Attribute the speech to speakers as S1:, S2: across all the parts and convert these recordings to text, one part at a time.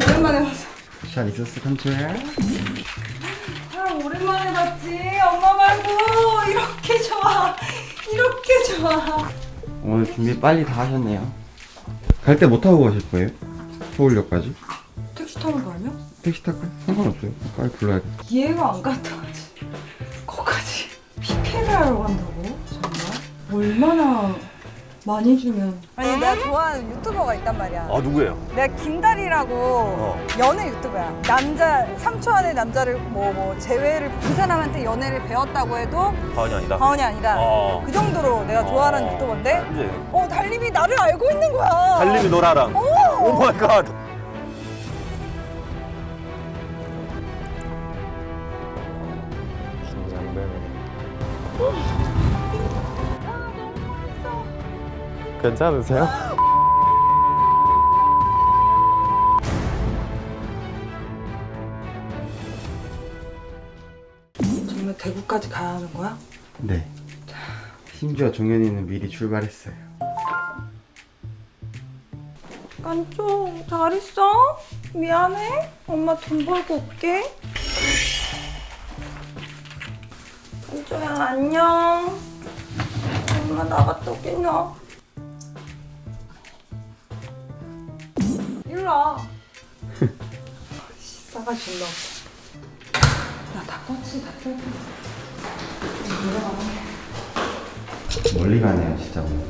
S1: 오랜만에 봤어.
S2: 잘 있었어, 삼촌아?
S1: 사람 오랜만에 봤지. 엄마 말고 이렇게 좋아. 이렇게 좋아.
S2: 오늘 준비 빨리 다 하셨네요. 갈 때 뭐 타고 가실 거예요? 서울역까지?
S1: 택시 타는 거 아니야?
S2: 택시 탈까요? 상관없어요. 빨리 불러야 돼.
S1: 이해가 안 갔다 하지. 거기까지 PP를 하러 간다고? 정말? 얼마나 많이 주면. 아니 내가 좋아하는 유튜버가 있단 말이야.
S3: 아 누구예요?
S1: 내가 김다리라고 연애 유튜버야. 남자 3초 안에 남자를 뭐 제외를 그 사람한테 연애를 배웠다고 해도
S3: 가은이 아니다.
S1: 과언이 아니다.
S3: 어.
S1: 그 정도로 내가 좋아하는 유튜버인데
S3: 이제
S1: 달림이 나를 알고 있는 거야.
S3: 달림이 노라랑. 오 마이 갓.
S4: 괜찮으세요?
S1: 정말 대구까지 가야 하는 거야?
S2: 네. 심지어 종현이는 미리 출발했어요.
S1: 깐총 잘 있어? 미안해. 엄마 돈 벌고 올게. 깐총야 안녕. 엄마 나갔다 오겠냐? 일로 와. 싸가지 존나 없어. 나다 껐지 다 껐지.
S2: 멀리 가네요, 진짜 오늘.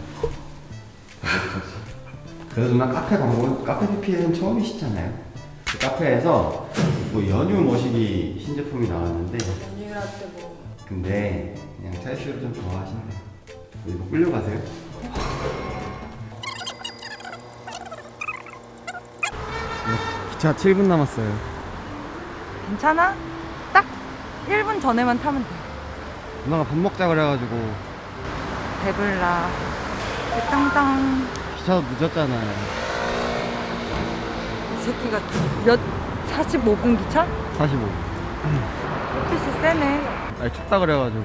S2: 그래도 누나 카페 광고, 카페 PPL은 처음이시잖아요. 그 카페에서 뭐 연유 머시기 신제품이 나왔는데,
S1: 연유할 때 뭐.
S2: 근데 그냥 찰슈를 좀 좋아하시네요. 이거 끌려가세요? 기차 7분 남았어요.
S1: 괜찮아? 딱 1분 전에만 타면 돼.
S2: 누나가 밥 먹자 그래가지고
S1: 배불러. 땅땅.
S2: 기차도 늦었잖아요.
S1: 이 새끼가 몇 45분 기차?
S2: 45분.
S1: 햇빛이 세네.
S2: 날 춥다 그래가지고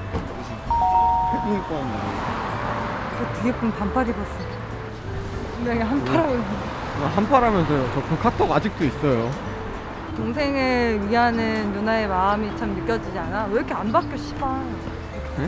S2: 해붕 입고 왔는데
S1: 그 뒤에 분 반팔 입었어. 분명히 한파라고.
S2: 한파라면서요. 저 그 카톡 아직도 있어요.
S1: 동생을 위하는 누나의 마음이 참 느껴지지 않아? 왜 이렇게 안 바뀌어 씨발.
S2: 네?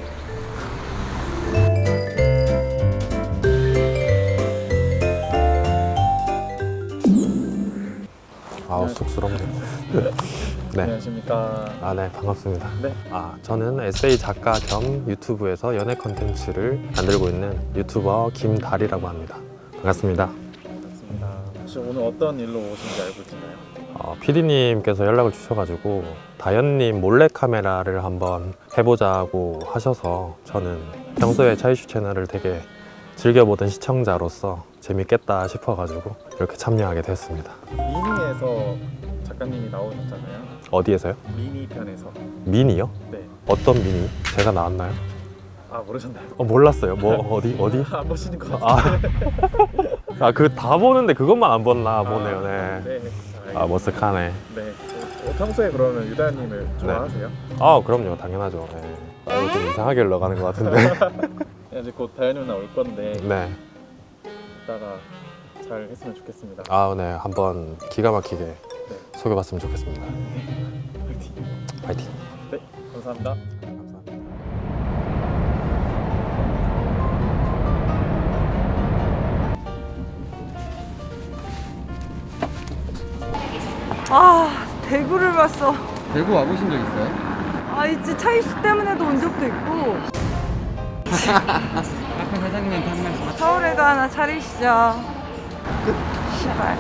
S4: 아우 쑥스럽네요. 네.
S5: 안녕하십니까.
S4: 아, 네, 반갑습니다.
S5: 네.
S4: 저는 에세이 작가 겸 유튜브에서 연애 컨텐츠를 만들고 있는 유튜버 김다리라고 합니다. 반갑습니다.
S5: 반갑습니다. 혹시 오늘 어떤 일로 오신지 알고 있나요?
S4: PD님께서 연락을 주셔가지고 다현님 몰래카메라를 한번 해보자고 하셔서 저는 평소에 차이슈 채널을 되게 즐겨보던 시청자로서 재밌겠다 싶어가지고 이렇게 참여하게 됐습니다.
S5: 미니에서 작가님이 나오셨잖아요.
S4: 어디에서요?
S5: 미니 편에서.
S4: 미니요?
S5: 네.
S4: 어떤 미니? 제가 나왔나요?
S5: 아 모르셨나요?
S4: 몰랐어요. 뭐 어디?
S5: 안 보시는 것 같은데.
S4: 그 다 보는데 그것만 안 봤나 보네요. 네.
S5: 네.
S4: 머쓱하네.
S5: 네. 평소에 그러면 유다님을 좋아하세요?
S4: 그럼요. 당연하죠. 네. 이거 좀 이상하게 흘러가는 것 같은데.
S5: 이제 곧 다현이 누나 올 건데
S4: 네.
S5: 이따가 잘 했으면 좋겠습니다.
S4: 네. 한번 기가 막히게 소개받으면 좋겠습니다.
S5: 화이팅.
S4: 파이팅.
S5: 네. 감사합니다.
S4: 감사합니다.
S1: 대구를 봤어.
S2: 대구 와보신 적 있어요?
S1: 이제 차이스 때문에도 온 적도 있고.
S2: 카페 사장님한테 한 말씀.
S1: 서울에도 하나 차리시죠. 시발.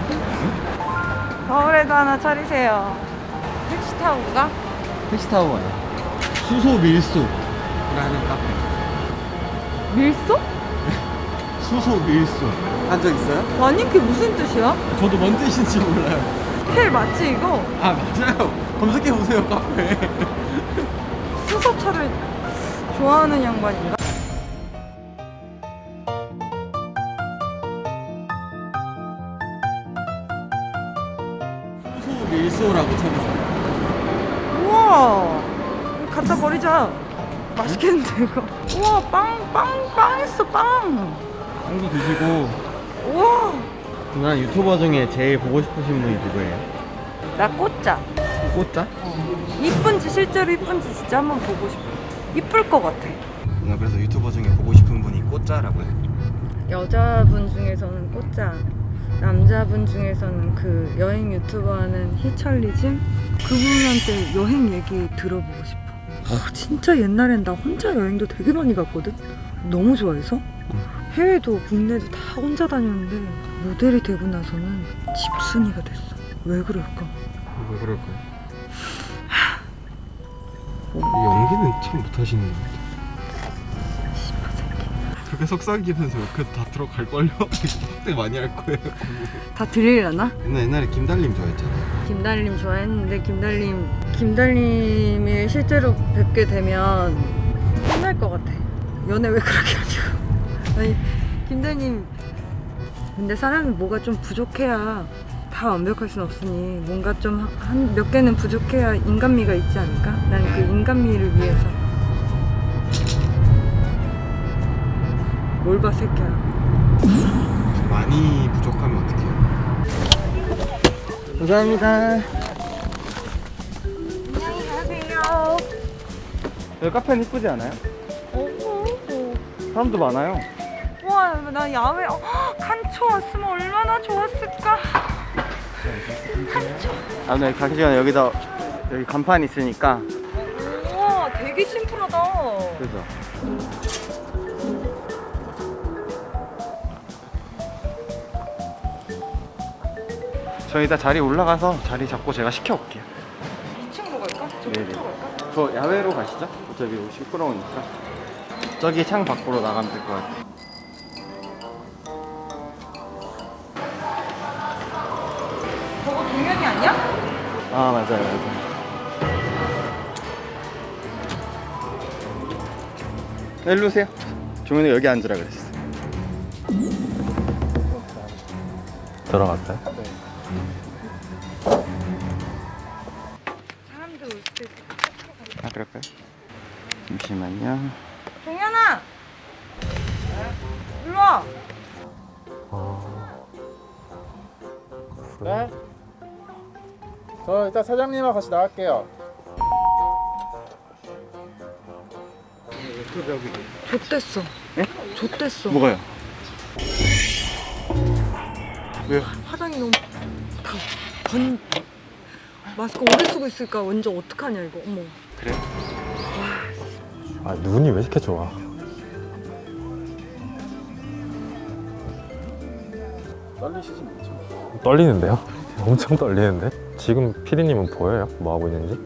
S1: 서울에도 하나 차리세요. 택시 타고 가?
S2: 택시 타고 가요. 수소 밀소라는 카페.
S1: 밀소?
S2: 수소 밀소. 한 적 있어요?
S1: 아니 그게 무슨 뜻이야?
S2: 저도 뭔 뜻인지 몰라요.
S1: 텔 맞지 이거?
S2: 맞아요. 검색해 보세요 카페.
S1: 수소차를 좋아하는 양반인가?
S2: 수소 밀소라고 쳐보세요.
S1: 우와 이거 갖다 버리자. 맛있겠는데 이거. 우와 빵 있어 빵.
S2: 빵도 드시고
S1: 우와
S2: 누나 유튜버 중에 제일 보고 싶으신 분이 누구예요?
S1: 나 꽃자.
S2: 꽃자?
S1: 이쁜지 실제로 이쁜지 진짜 한번 보고 싶어. 이쁠 것 같아.
S2: 누나 그래서 유튜버 중에 보고 싶은 분이 꽃자라고요?
S1: 여자분 중에서는 꽃자, 남자분 중에서는 그 여행 유튜버 하는 희철리즘? 그분한테 여행 얘기 들어보고 싶어. 진짜 옛날엔 나 혼자 여행도 되게 많이 갔거든? 너무 좋아해서. 해외도 국내도 다 혼자 다녔는데 모델이 되고 나서는 집순이가 됐어. 왜 그럴까?
S2: 왜 그럴까요? 연기는 참 못하시는 것 같아요. 그렇게 속삭이면서 옆에서 다 들어갈걸요? 확대 많이 할 거예요.
S1: 다 들리려나?
S2: 옛날에 김달림 좋아했잖아요.
S1: 김달림 좋아했는데 김달림을 실제로 뵙게 되면 혼날 것 같아. 연애 왜 그렇게 하냐고. 아니 김달림 근데 사람이 뭐가 좀 부족해야 다 완벽할 순 없으니 뭔가 좀 한 몇 개는 부족해야 인간미가 있지 않을까? 난 그 인간미를 위해서 뭘 봐 새끼야.
S2: 많이 부족하면 어떡해요? 감사합니다.
S1: 안녕히 가세요.
S2: 여기 카페는 이쁘지 않아요? 사람도 많아요.
S1: 와, 나 야외 칸초 왔으면 얼마나 좋았을까.
S2: 아, 네, 가기 전에 여기 간판 있으니까.
S1: 우와, 되게 심플하다.
S2: 그래서. 저 이따 자리 올라가서 자리 잡고 제가 시켜올게요.
S1: 2층으로 갈까? 저
S2: 네네.
S1: 끝으로 갈까?
S2: 저 야외로 가시죠? 어차피 시끄러우니까. 저기 창 밖으로 나가면 될 것 같아요.
S1: 저거 종현이 아니야?
S2: 아, 맞아요. 네, 일로 오세요. 종현이 여기 앉으라 그랬어.
S4: 들어갔어요?
S1: 사람들 올 때.
S2: 아, 그럴까요? 잠시만요.
S1: 종현아! 일로 와!
S5: 네? 저 일단 사장님하고 같이 나갈게요.
S1: 좆됐어.
S2: 네?
S1: 좆됐어.
S2: 뭐가요? 왜요?
S1: 화장이 너무 마스크 오래 쓰고 있으니까 완전 어떡하냐 이거. 어머.
S2: 그래요?
S4: 아, 눈이 왜 이렇게 좋아?
S5: 떨리시지 않죠?
S4: 떨리는데요? 엄청 떨리는데? 지금 피디님은 보여요? 뭐 하고 있는지?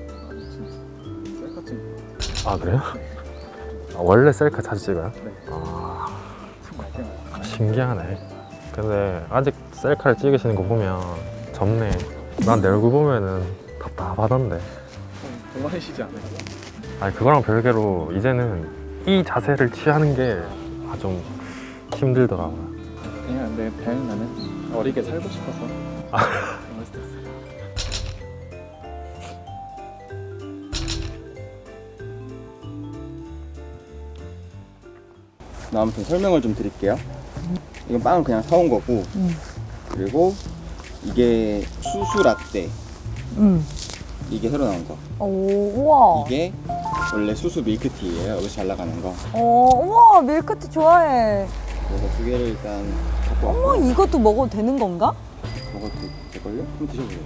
S5: 셀카 찍.
S4: 아, 그래요? 아, 원래 셀카 자주 찍어요?
S5: 네.
S4: 아, 신기하네. 근데 아직 셀카를 찍으시는 거 보면 젊네. 난 내 얼굴 보면은 답답하던데.
S5: 동안이시지 않아요?
S4: 아니, 그거랑 별개로 이제는 이 자세를 취하는 게 좀 힘들더라고요.
S5: 그냥 내 배는 나는 어리게 살고 싶어서. 멋있었어요.
S2: 아무튼 설명을 좀 드릴게요. 이건 빵은 그냥 사온 거고, 그리고 이게 수수 라떼. 이게 새로 나온 거.
S1: 오, 우와.
S2: 이게 원래 수수 밀크티예요. 여기서 잘 나가는 거.
S1: 우와, 밀크티 좋아해.
S2: 그래서 두 개를 일단 갖고
S1: 어머,
S2: 왔고
S1: 이것도 먹어도 되는 건가?
S2: 먹어도 될걸요? 한번 드셔보세요.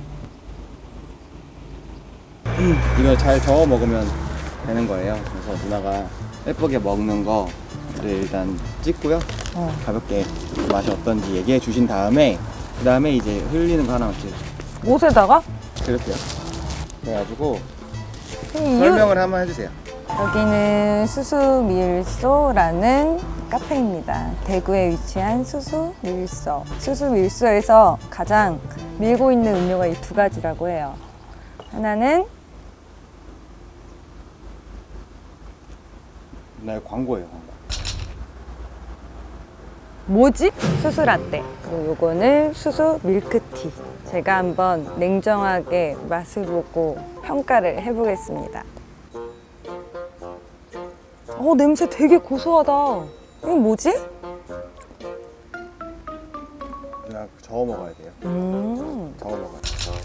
S2: 이걸 잘 저어 먹으면 되는 거예요. 그래서 누나가 예쁘게 먹는 거를 일단 찍고요. 가볍게 맛이 어떤지 얘기해 주신 다음에 그 다음에 이제 흘리는 거 하나씩
S1: 옷에다가?
S2: 그렇게요. 그래가지고 설명을 한번 해주세요.
S6: 여기는 수수밀소라는 카페입니다. 대구에 위치한 수수밀소. 수수밀소에서 가장 밀고 있는 음료가 이 두 가지라고 해요. 하나는
S2: 나 이거 광고예요. 광고.
S6: 뭐지? 수수라떼. 그리고 요거는 수수 밀크티. 제가 한번 냉정하게 맛을 보고 평가를 해보겠습니다. 냄새 되게 고소하다. 이건 뭐지?
S2: 누나 저어 먹어야 돼요. 저어 먹어요.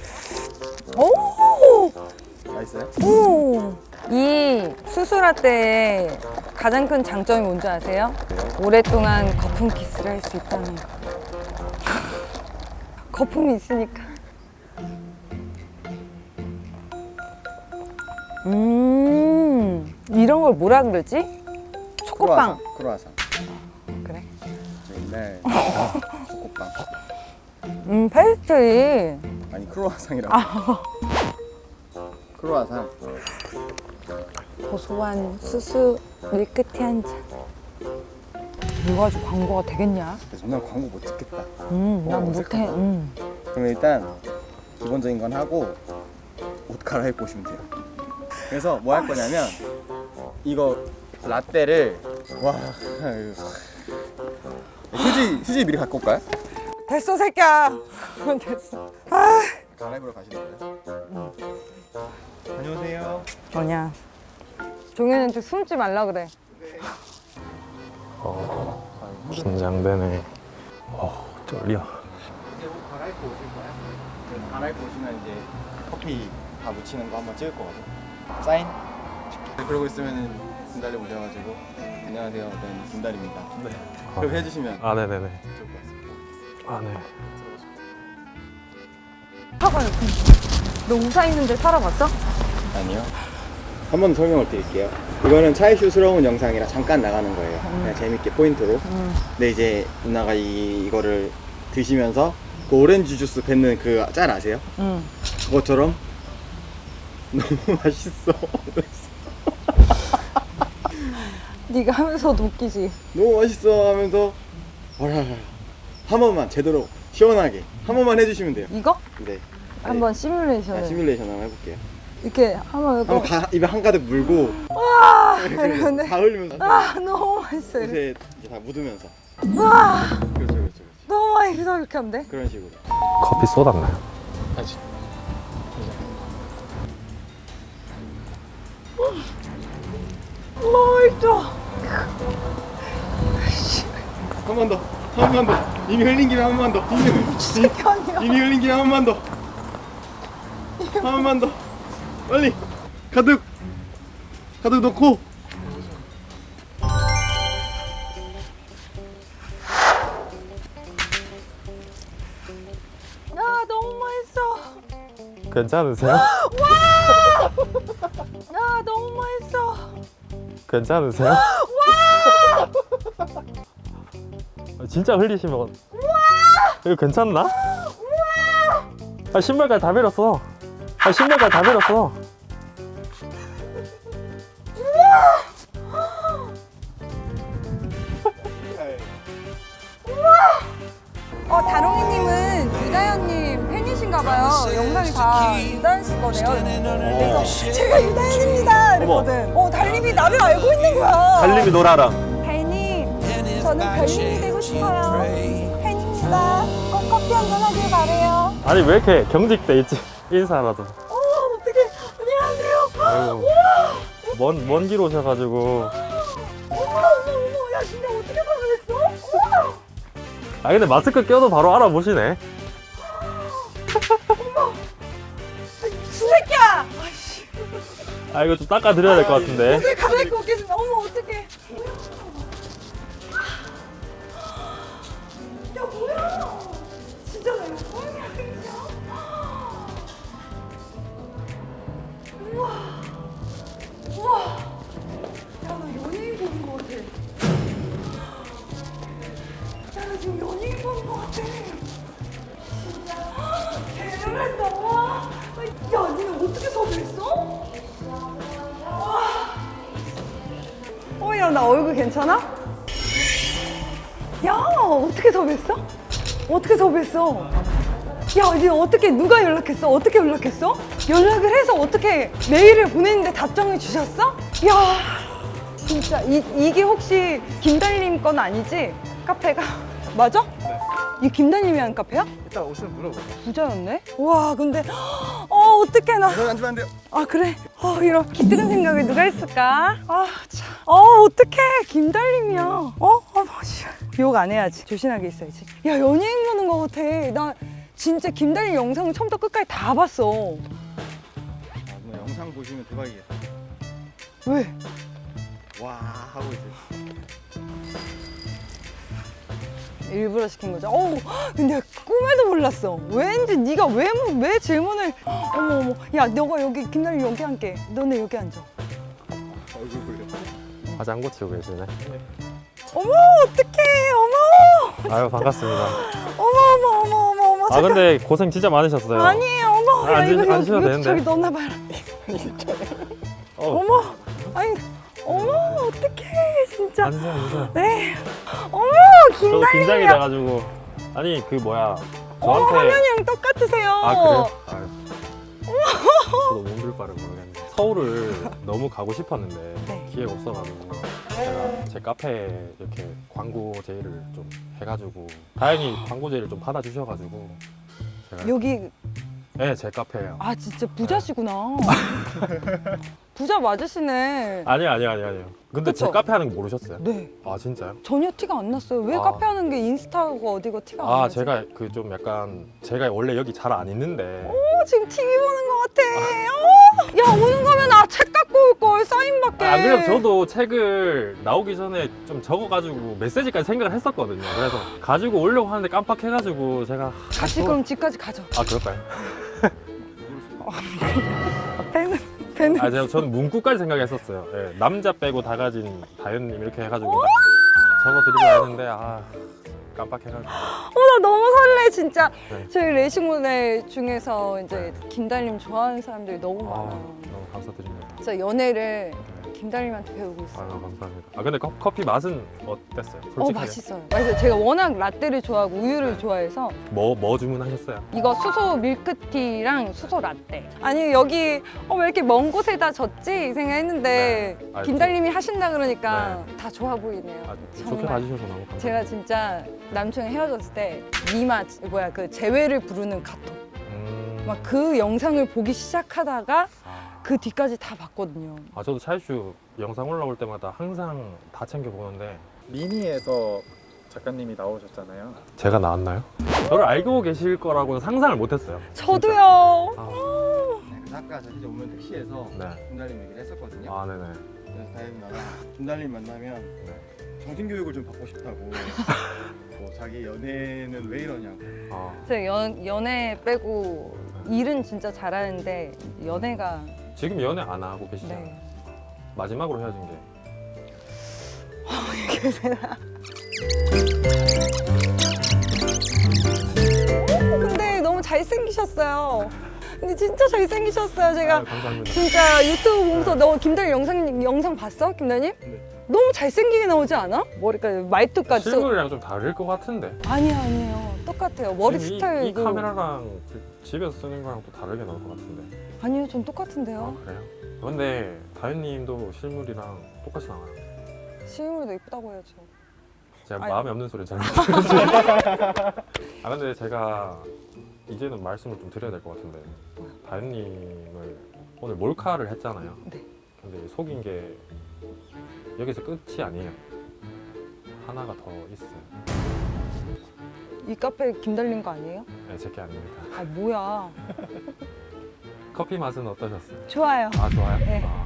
S6: 오!
S2: 맛있어요?
S6: 오! 이 수수라떼의 가장 큰 장점이 뭔지 아세요? 오랫동안 거품 키스를 할 수 있다는 거. 거품이 있으니까. 이런 걸 뭐라 그러지? 초코빵.
S2: 크로아상.
S6: 그래?
S2: 저 옛날 초코빵.
S6: 페스트리.
S2: 아니 크로아상이라고. 크로아상.
S6: 고소한 수수 밀크티 한 잔. 이거 가지고 광고가 되겠냐?
S2: 난 광고 못 찍겠다.
S6: 난 못해.
S2: 그럼 일단 기본적인 건 하고 옷 갈아입고 오시면 돼요. 그래서 뭐 할 거냐면 이거 라떼를 휴지 미리 갖고 올까요?
S6: 됐어, 새끼야. 됐어.
S2: 갈아입으러 가시는 거예요? 안녕하세요.
S6: 뭐냐? 종현이한테 숨지 말라 그래.
S4: 긴장되네. 떨려.
S2: 이제 옷 갈아입고 오실 거예요? 그래서 갈아입고 오시면 이제 커피 다 묻히는 거 한번 찍을 거거든요. 사인? 그러고 있으면은 김달리 오셔가지고 안녕하세요. 네, 김달리입니다. 네. 그렇게 해주시면
S4: 아, 네네네.
S2: 좋을 것 같습니다.
S4: 아, 네.
S6: 사과요. 너 우사 있는데 살아봤어?
S2: 아니요. 한 번 설명을 드릴게요. 이거는 차이슈스러운 영상이라 잠깐 나가는 거예요. 그냥 재밌게 포인트로. 근데 이제 누나가 이거를 드시면서 그 오렌지 주스 뱉는 그 짤 아세요? 그것처럼 너무 맛있어.
S6: 네가 하면서도 웃기지.
S2: 너무 맛있어 하면서 한 번만 제대로 시원하게 한 번만 해주시면 돼요.
S6: 이거?
S2: 네.
S6: 한번 시뮬레이션을.
S2: 시뮬레이션 한번 해볼게요.
S6: 이렇게 하면
S2: 한번 입에 한가득 물고
S6: 이러는데
S2: 다 흘리면서
S6: 너무 맛있어.
S2: 옷에 이제 다 묻으면서.
S6: 와,
S2: 그렇죠.
S6: 너무 맛있어. 이렇게 하면 돼?
S2: 그런 식으로.
S4: 커피 쏟았나요?
S6: 맛있어.
S2: 한 번 더. 이미 흘린 김에 한 번 더. 이미 흘린 김에 한 번 더. 한 번만 더. 빨리. 가득 넣고.
S6: 야, 너무 맛있어.
S4: 괜찮으세요?
S6: 야, 너무 맛있어.
S4: 괜찮으세요? 진짜 흘리시면 이거 괜찮나? 신발까지 다 베렸어. 신발까지 다 베렸어.
S6: 다롱이님은 유다현님 팬이신가봐요. 영상이 다 유다현 씨 거네요. 그래서 제가 유다현입니다. 이랬거든. 달님이 나를 알고 있는 거야.
S3: 달님이 놀아라.
S6: 달님, 저는 달님이 되고 싶어요. 팬입니다. 꼭 커피 한잔 하길 바래요.
S4: 아니 왜 이렇게 경직돼 있지? 인사라도.
S6: 어떡해. 안녕하세요.
S4: 아이고. 먼 길 오셔가지고.
S6: 어머. 야, 진짜 어떻게 가능했어? 어머.
S4: 아 근데 마스크 껴도 바로 알아보시네.
S6: 새끼야.
S4: 아 이거 좀 닦아드려야 될 것 같은데.
S6: 어떻게 갈아입고 오겠습니다. 어머, 어떡해. 야, 뭐야. 진짜 나 이거 처음이야, 진짜. 우와. 야, 나 연예인 보는 거 같아. 야, 나 지금 연예인 보는 거 같아. 진짜. 대단하다. 야, 니는 어떻게 섭외했어? 야, 나 얼굴 괜찮아? 야, 어떻게 섭외했어? 야, 니 어떻게, 누가 연락했어? 어떻게 연락했어? 연락을 해서 어떻게 메일을 보냈는데 답장을 주셨어? 야, 진짜 이게 혹시 김달님 건 아니지? 카페가? 맞아? 네. 이 김달님이 한 카페야?
S2: 이따 오시면 물어보세요.
S6: 부자였네? 와, 근데 어떡해 나.
S2: 앉으면 안 돼요.
S6: 아, 그래? 이런 기특한 생각을 누가 했을까? 아, 참. 어떡해. 김달님이야. 욕 안 해야지. 조신하게 있어야지. 야, 연예인 보는 거 같아. 나 진짜 김달린 영상을 처음부터 끝까지 다 봤어.
S2: 누나 영상 보시면 대박이겠다.
S6: 왜?
S2: 와 하고 이제
S6: 일부러 시킨 거죠. 어우, 근데 꿈에도 몰랐어. 왠지 네가 왜 질문을. 어머. 야, 너가 여기 김달린 여기 앉게. 너네 여기 앉아.
S2: 얼굴 보려.
S4: 아직 안 고치고 계시네.
S6: 어머, 어떡해.
S4: 아유 반갑습니다.
S6: 어머.
S4: 아 근데 고생 진짜 많으셨어요.
S6: 아니에요, 어머. 야,
S4: 앉으셔도 되는데.
S6: 저기 넣어놔봐라. 어머, 아니, 어머, 어떡해, 진짜.
S4: 앉으세요.
S6: 네. 어머,
S4: 저도 긴장이
S6: 김달린이야.
S4: 돼가지고 아니 그 뭐야
S6: 어머,
S4: 저한테
S6: 화면이랑 똑같으세요.
S4: 아 그래요? 아유. 저도 몸둘 바를 모르겠네. 서울을 너무 가고 싶었는데
S6: 네.
S4: 기회가 없어가지고 제가 제 카페에 이렇게 광고 제의를 좀 해가지고 다행히 광고 제의를 좀 받아주셔가지고 제가
S6: 여기,
S4: 네, 제 카페예요.
S6: 아, 진짜 부자시구나. 부자 맞으시네.
S4: 아니요. 근데 제
S6: 그쵸?
S4: 카페 하는 거 모르셨어요?
S6: 네.
S4: 아 진짜요?
S6: 전혀 티가 안 났어요. 왜
S4: 아.
S6: 카페 하는 게 인스타고 어디고 티가 안
S4: 아
S6: 나지?
S4: 제가 그 좀 약간 제가 원래 여기 잘 안 있는데
S6: 지금 TV 보는 것 같아. 야, 오는 거면 책 갖고 올 걸, 사인 받게.
S4: 안 그래도 저도 책을 나오기 전에 좀 적어가지고 메시지까지 생각을 했었거든요. 그래서 가지고 오려고 하는데 깜빡해가지고 제가
S6: 같이 그럼 집까지 가죠.
S4: 아 그럴까요?
S6: 배는.
S4: 아 저는 문구까지 생각했었어요. 예, 남자 빼고 다 가진 다현님 이렇게 해가지고 적어드리려 했는데 아 깜빡해가지고
S6: 나 너무 설레, 진짜.
S4: 네.
S6: 저희 레이싱 모델 중에서 이제 김달림 좋아하는 사람들이 너무
S4: 아,
S6: 많아.
S4: 너무 감사드립니다.
S6: 진짜 연애를 김달림한테 배우고 있어요.
S4: 아유 감사합니다. 아 근데 커피 맛은 어땠어요? 솔직하게.
S6: 맛있어요. 맛있어요. 제가 워낙 라떼를 좋아하고 우유를 좋아해서
S4: 뭐 주문하셨어요?
S6: 이거 수소 밀크티랑 수소 라떼. 아니, 여기 왜 이렇게 먼 곳에다 졌지? 이 생각했는데
S4: 네. 아,
S6: 김달림이 하신다 그러니까 다 좋아 보이네요.
S4: 아, 좋게
S6: 정말.
S4: 봐주셔서 너무 감사합니다.
S6: 제가 진짜 남친이 헤어졌을 때 니마 그 재회를 부르는 카톡 막 그 영상을 보기 시작하다가 그 뒤까지 다 봤거든요.
S4: 아 저도 차이슈 영상 올라올 때마다 항상 다 챙겨 보는데
S5: 미니에서 작가님이 나오셨잖아요.
S4: 제가 나왔나요? 저를 알고 계실 거라고는 상상을 못했어요.
S6: 저도요.
S4: 아,
S2: 그래서 아까 저 진짜 오면 택시에서
S4: 네.
S2: 김달림 얘기를 했었거든요.
S4: 아 네네.
S2: 그래서 다현 누나가 김달림 만나면 정신교육을 좀 받고 싶다고. 뭐 자기 연애는 왜 이러냐고.
S4: 아,
S6: 제가 연애 빼고 일은 진짜 잘하는데 연애가
S4: 지금 연애 안 하고 계시잖아요.
S6: 네.
S4: 마지막으로 헤어진 게
S6: 근데 너무 잘생기셨어요. 근데 진짜 잘생기셨어요. 제가
S4: 아유, 감사합니다.
S6: 진짜 유튜브 보면서 너 김달림 영상 봤어? 김달림?
S2: 네.
S6: 너무 잘생기게 나오지 않아? 머리까지 말투까지
S4: 실물이랑 좀 다를 것 같은데.
S6: 아니에요. 똑같아요. 머리
S4: 지금
S6: 스타일도
S4: 이 카메라랑 집에서 쓰는 거랑 또 다르게 나올 것 같은데.
S6: 아니요, 전
S4: 아
S6: 똑같은데요.
S4: 그래요? 근데 다현님도 실물이랑 똑같이 나와요.
S6: 실물도 이쁘다고 해야죠.
S4: 제가
S6: 아니.
S4: 마음에 없는 소리 잘 못해요. 아 근데 제가 이제는 말씀을 좀 드려야 될 것 같은데 다현님을 오늘 몰카를 했잖아요.
S6: 네.
S4: 근데 속인 게 여기서 끝이 아니에요. 하나가 더 있어요.
S6: 이 카페 김달림 거 아니에요?
S4: 네, 제게 아닙니다.
S6: 아, 뭐야.
S4: 커피 맛은 어떠셨어요?
S6: 좋아요.
S4: 아 좋아요?
S6: 네.
S4: 아.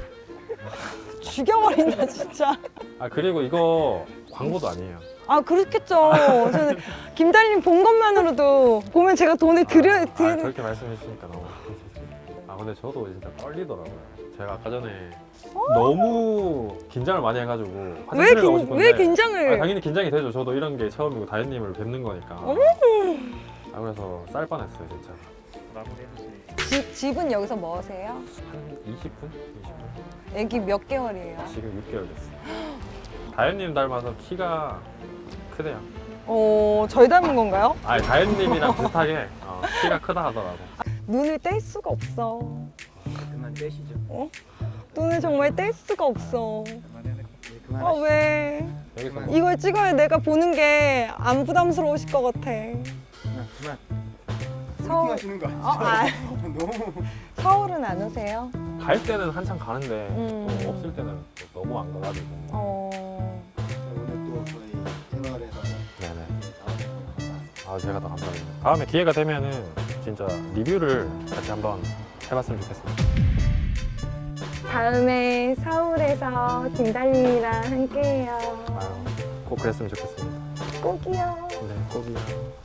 S6: 죽여버린다, 진짜.
S4: 아 그리고 이거 광고도 아니에요.
S6: 아, 그렇겠죠. 저는 김달림 본 것만으로도 보면 제가 돈을 드려.
S4: 그렇게 말씀해 주시니까 너무 감사드립니다. 아 근데 저도 진짜 떨리더라고요. 제가 아까 전에 너무 긴장을 많이 해가지고 화장실을 가고 싶은데
S6: 왜 긴장을.
S4: 아, 당연히 긴장이 되죠. 저도 이런 게 처음이고 다현님을 뵙는 거니까. 아 그래서 쌀 뻔했어요 진짜.
S5: 마무리해주시.
S6: 집은 여기서 뭐 하세요?
S4: 한 20분? 20분?
S6: 애기 몇 개월이에요?
S4: 지금 6개월 됐어요. 다현님 닮아서 키가 크대요.
S6: 저희 닮은 건가요?
S4: 아니 다현님이랑 비슷하게 키가 크다 하더라고.
S6: 눈을 뗄 수가 없어.
S2: 그만 떼시죠.
S6: 눈을 정말 뗄 수가 없어.
S5: 그만해야 될것 같아요.
S2: 네, 그만.
S6: 왜?
S4: 여기서 뭐
S6: 이걸 찍어야 내가 보는 게 안 부담스러우실 것 같아.
S2: 그만.
S6: 서울-
S2: 하시는 거 아니죠? 너무.
S6: 서울은 안 오세요?
S4: 갈 때는 한참 가는데
S6: 음.
S4: 또 없을 때는 또 너무 안 가가지고.
S6: 어.
S2: 오늘 또 저희 채널에서
S4: 아, 제가 더 감사합니다. 다음에 기회가 되면은 진짜 리뷰를 같이 한번 해봤으면 좋겠습니다.
S1: 다음에 서울에서 김달님이랑 함께해요.
S4: 아유, 꼭 그랬으면 좋겠습니다.
S1: 꼭이요.
S4: 네, 꼭이요.